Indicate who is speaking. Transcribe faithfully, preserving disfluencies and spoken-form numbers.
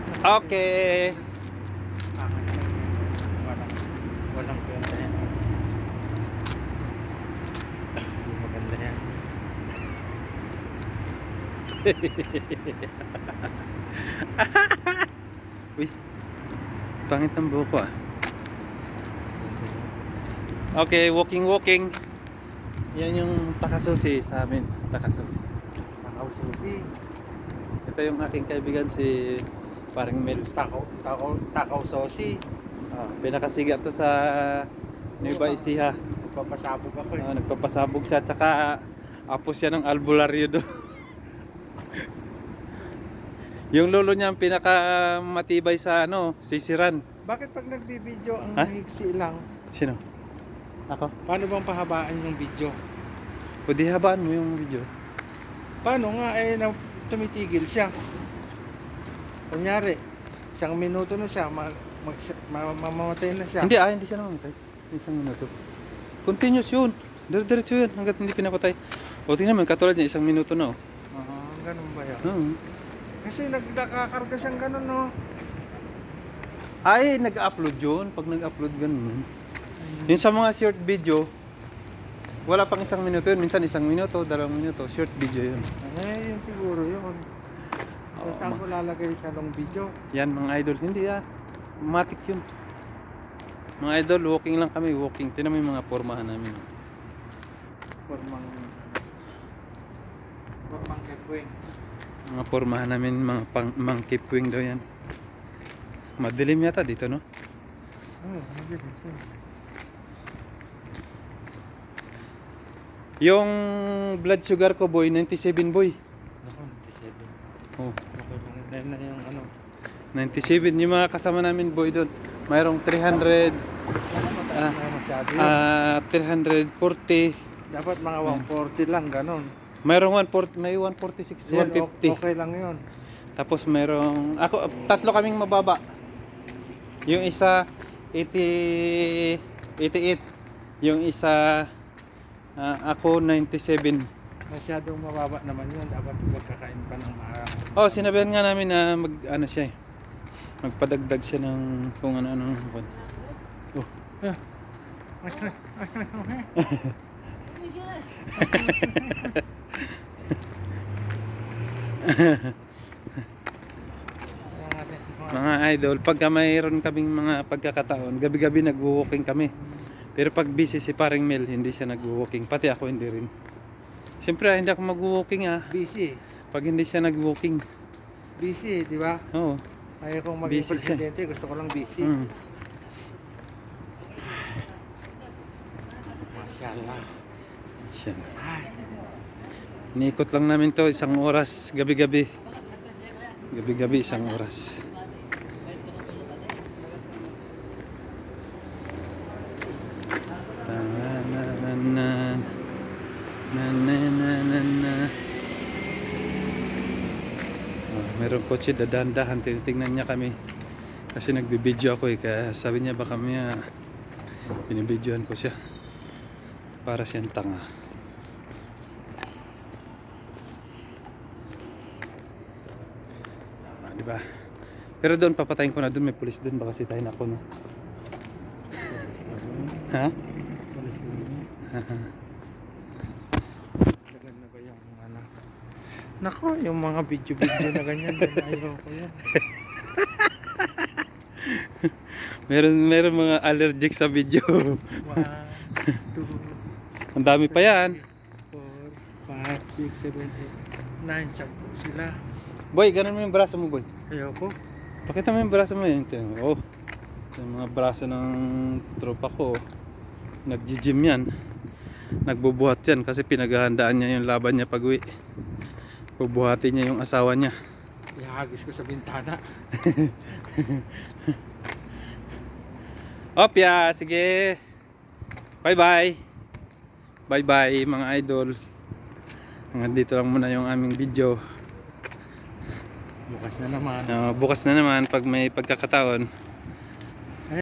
Speaker 1: Okay.
Speaker 2: Walang, walang pera yan. Hindi maganda yan.
Speaker 1: Uy, pangit ng buhok ko ah. Okay, walking walking. Yan yung takasusi sa amin. Takasusi.
Speaker 2: Takaw susi.
Speaker 1: Ito yung aking kaibigan si Paring Mel.
Speaker 2: Takaw, takaw, takaw sosi.
Speaker 1: Ah, pinakasiga to sa Nueva Ecija.
Speaker 2: Nagpapasabog ako eh.
Speaker 1: Ah, nagpapasabog siya, tsaka apos siya ng albularyo do. Yung lolo niya ang pinaka matibay sa ano, sisiran.
Speaker 2: Bakit pag nagbibideo ang
Speaker 1: Ha?
Speaker 2: hiksi lang?
Speaker 1: Sino? Ako?
Speaker 2: Paano bang pahabaan yung video?
Speaker 1: O di habaan mo yung video.
Speaker 2: Paano nga eh na tumitigil siya? Kunyari, isang minuto na siya, ma mag ma mamamatay na siya.
Speaker 1: Hindi ah, hindi siya namamatay. Isang minuto. Continuous yun. Dire-diretso yun hanggat hindi pinapatay. O tingnan mo, katulad niya, isang minuto na oh.
Speaker 2: Ah, ganun ba yan?
Speaker 1: Oo.
Speaker 2: Kasi nagkakakarga siyang ganun, no?
Speaker 1: Ay, nag-upload yun. Pag nag-upload ganun. Yung sa mga short video, wala pang isang minuto yun. Minsan isang minuto, dalawang minuto. Short video yun.
Speaker 2: Eh, yun siguro yun. So,
Speaker 1: Oo,
Speaker 2: saan
Speaker 1: ma-
Speaker 2: ko lalagay sa long video?
Speaker 1: Yan mga idol. Hindi ah. Matic yun. Mga idol, walking lang kami. Walking. Tinan mo yung mga pormahan namin.
Speaker 2: Formang... Formang kekwing.
Speaker 1: Mga pormahan namin, mga pang, monkey puwing daw yan. Madilim yata dito, no?
Speaker 2: Oh, hindi din siya.
Speaker 1: Yung blood sugar ko, boy, ninety-seven, boy.
Speaker 2: Ako, ninety-seven.
Speaker 1: Oh,
Speaker 2: Okay lang. Dahil na yung ano.
Speaker 1: ninety-seven. Yung mga kasama namin, boy, doon. Mayroong three hundred,
Speaker 2: Ah, na masyado yun.
Speaker 1: ah, three forty.
Speaker 2: Dapat mga one forty lang, ganun.
Speaker 1: Mayroong one forty, may one forty-six,
Speaker 2: Yan,
Speaker 1: one fifty.
Speaker 2: Okay lang yun.
Speaker 1: Tapos mayroong, ako, tatlo kaming mababa. Yung isa, eighty, eighty-eight. Yung isa, ah, ako, ninety-seven.
Speaker 2: Masyadong mababa naman yun. Dapat magkakain pa ng maharap.
Speaker 1: Oh, sinabihan nga namin na mag, ano siya eh. Magpadagdag siya ng kung ano-ano. Oh. Mga idol, pagka mayroon kaming mga pagkakataon, gabi-gabi nag-walking kami. Pero pag busy si Paring Mel, hindi siya nag-walking. Pati ako hindi rin. Siyempre, hindi ako mag-walking ah.
Speaker 2: Busy.
Speaker 1: Pag hindi siya nag-walking.
Speaker 2: Busy, di ba?
Speaker 1: Oo.
Speaker 2: Ayaw kong maging
Speaker 1: Busy siya.
Speaker 2: presidente. Gusto ko lang busy.
Speaker 1: Mm.
Speaker 2: Mashallah.
Speaker 1: Siya.
Speaker 2: Ay,
Speaker 1: Niikot lang namin to isang oras, gabi-gabi. Gabi-gabi isang oras. Ta-na-na-na. Na-na-na-na-na. Oh, merong kotse, dadandahan, tinitingnan niya kami. Kasi nagbibideo ako eh, kaya sabi niya baka may binibidyohan ko siya. Para siyang tanga. Ah, di ba? Pero doon papatayin ko na doon, may pulis doon, baka sitahin ako, no? Ha?
Speaker 2: dagan na ba yung ano? Nako, yung mga video-video na ganyan. Ayaw ko yan.
Speaker 1: Meron meron mga allergic sa video.
Speaker 2: One, two,
Speaker 1: Ang dami pa yan.
Speaker 2: four, five, six, seven, eight, nine. Sampu sila.
Speaker 1: Boy, ganun mo yung braso mo, boy.
Speaker 2: Ayaw ko.
Speaker 1: Pakita mo yung braso mo yun. Tingnan mo. Oh. Yung mga braso ng tropa ko. Nag-gym yan. Nagbubuhat yan kasi pinaghahandaan niya yung laban niya pag uwi. Bubuhatin niya yung asawa niya.
Speaker 2: Ihagis ko sa bintana.
Speaker 1: Opya, sige. Bye-bye. Bye-bye mga idol. Hanggang dito lang muna yung aming video.
Speaker 2: Bukas na naman.
Speaker 1: Uh, bukas na naman pag may pagkakataon.